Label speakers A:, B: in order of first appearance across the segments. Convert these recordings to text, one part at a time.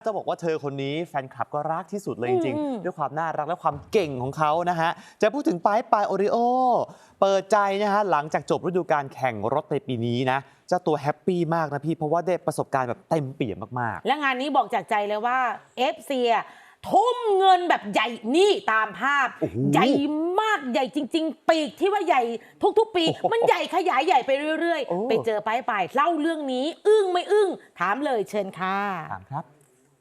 A: จะบอกว่าเธอคนนี้แฟนคลับก็รักที่สุดเลยจริงๆด้วยความน่ารักและความเก่งของเขานะฮะจะพูดถึงปายโอริโอเปิดใจนะฮะหลังจากจบฤดูกาลแข่งรถในปีนี้นะเจ้าตัวแฮปปี้มากนะพี่เพราะว่าได้ประสบการณ์แบบเต็มเปี่ยมมาก
B: ๆและงานนี้บอกจากใจเลยว่า FC ทุ่มเงินแบบใหญ่นี่ตามภาพใหญ่มากใหญ่จริงๆปีกที่ว่าใหญ่ทุกๆปีมันใหญ่ขยายใหญ่ไปเรื่อยๆไปเจอปายเล่าเรื่องนี้อึ้งไม่อึ้งถามเลยเชิญค่ะ
A: ถามครับ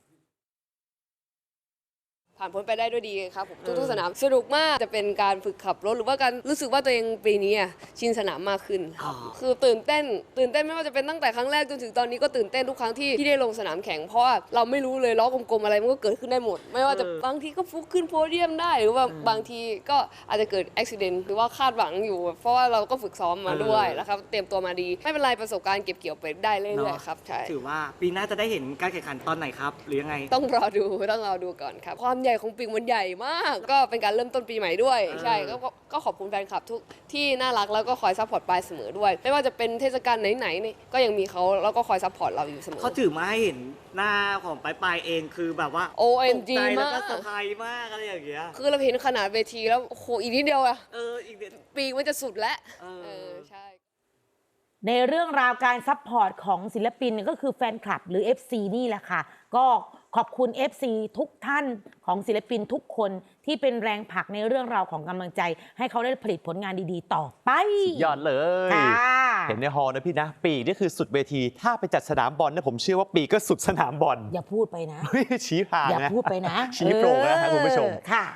C: ผ่านพ้นไปได้ด้วยดีครับผมทุกๆสนามสนุกมากจะเป็นการฝึกขับรถหรือว่าการรู้สึกว่าตัวเองปีนี้ชินสนามมากขึ้นคือตื่นเต้นไม่ว่าจะเป็นตั้งแต่ครั้งแรกจนถึงตอนนี้ก็ตื่นเต้นทุกครั้งที่ได้ลงสนามแข่งเพราะว่าเราไม่รู้เลยล้อกลมๆอะไรมันก็เกิดขึ้นได้หมดไม่ว่าจะบางทีก็ฟุกขึ้นโพเดียมได้หรือว่าบางทีก็อาจจะเกิดอุบิเหตุหรือว่าคาดหวังอยู่เพราะว่าเราก็ฝึกซ้อมมาด้วยแล้วครับเตรียมตัวมาดีไม่เป็นไรประสบการณ์เก็บเกี่ยวไปได้เรื่อยๆครับใช่
D: ถือว่าปีหน้าจะได้เห็นการแข่งขันตอนไหนครับหรือยังไง
C: ต้องรอดูก่อนครับความใหญ่ของปีกมันใหญ่มากก็เป็นการเริ่มต้นปีใหม่ด้วยใช่ก็ขอบคุณแฟนคลับทุกที่น่ารักแล้วก็คอยซัพพอร์ตปายเสมอด้วยไม่ว่าจะเป็นเทศกาลไหนๆก็ยังมีเขาแล้วก็คอยซัพพอร์ตเราอยู่เสมอ
D: เขาถือมาให้เห็นหน้าของปายเองคือแบบว่า
C: OMG
D: ตกใจแล้ว
C: มาก
D: ก็เซอร์ไพรส์มากอะไรอย่างเงี้ย
C: คือเราเห็นขนาดเวทีแล้วโอ้โหอีกนิดเดียว
D: อีกเดือน
C: ปีกมันจะสุดแล้วใช่
B: ในเรื่องราวการซัพพอร์ตของศิลปินก็คือแฟนคลับหรือ FC นี่แหละค่ะก็ขอบคุณ FC ทุกท่านของศิลปินทุกคนที่เป็นแรงผลักในเรื่องราวของกำลังใจให้เขาได้ผลิตผลงานดีๆต่อไป
A: ยอดเลยเห็นในฮอลนะพี่นะปีกนี่คือสุดเวทีถ้าไปจัดสนามบอลเนี่ยผมเชื่อว่าปีกก็สุดสนามบอล
B: อย่าพูดไปนะ
A: ชี้ผ่านนะ
B: อย่าพูดไปนะ
A: ชี้โปร่งนะครับคุณผู้ชม
B: ค่ะ